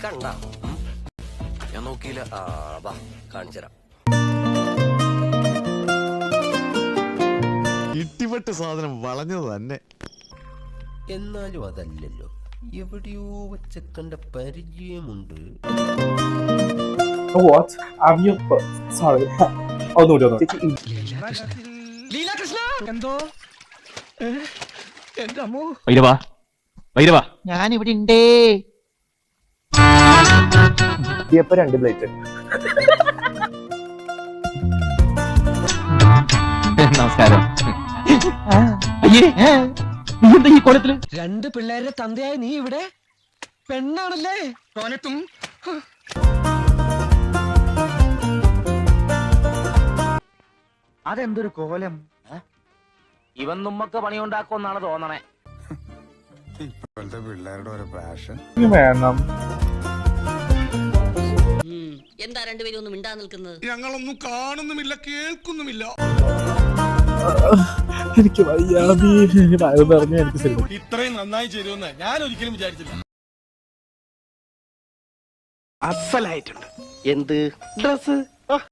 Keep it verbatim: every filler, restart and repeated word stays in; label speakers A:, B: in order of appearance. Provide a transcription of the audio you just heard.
A: കണ്ട ഞാൻ നോക്കിയില്ല. ആ വാ കാണിച്ചു തരാം.
B: ഇട്ടിപ്പെട്ട് സാധനം വളഞ്ഞത് തന്നെ.
A: എന്നാലും അതല്ലല്ലോ, എവിടെയോ വെച്ച കണ്ട പരിചയമുണ്ട്.
C: What? Have you... Sorry. ഒന്നുകൂടി ഒന്ന്
D: ലീലാകൃഷ്ണ എന്തോ എന്റെ അമ്മോ
E: വൈരവാ വൈരവാ
F: ഞാൻ ഇവിടെ ഉണ്ടേ.
C: ഇപ്പൊ രണ്ട് പ്ലേറ്റ്.
E: നമസ്കാരം. അയ്യേ നീ എന്താ ഈ കോലത്തില്?
D: രണ്ട് പിള്ളേരുടെ തന്തയായ നീ ഇവിടെ പെണ്ണാണല്ലേ? കോലത്തും
E: അതെന്തൊരു കോലം. ഇവൻ നമ്മക്ക് പണിയുണ്ടാക്കുമെന്നാണ് തോന്നണേ.
B: ഇപ്പോഴത്തെ പിള്ളേരുടെ ഒരു പാഷൻ
C: വേണം.
G: എന്താ രണ്ടുപേരും ഒന്നും മിണ്ടാ നിൽക്കുന്നത്?
B: ഞങ്ങളൊന്നും കാണുന്നുമില്ല കേൾക്കുന്നുമില്ല.
C: എനിക്ക് വയ്യാതി പറഞ്ഞു. എനിക്ക് ശരി
D: ഇത്രയും നന്നായി ചേരുമെന്ന് ഞാൻ ഒരിക്കലും വിചാരിച്ചില്ല.
A: എന്ത് ഡ്രസ്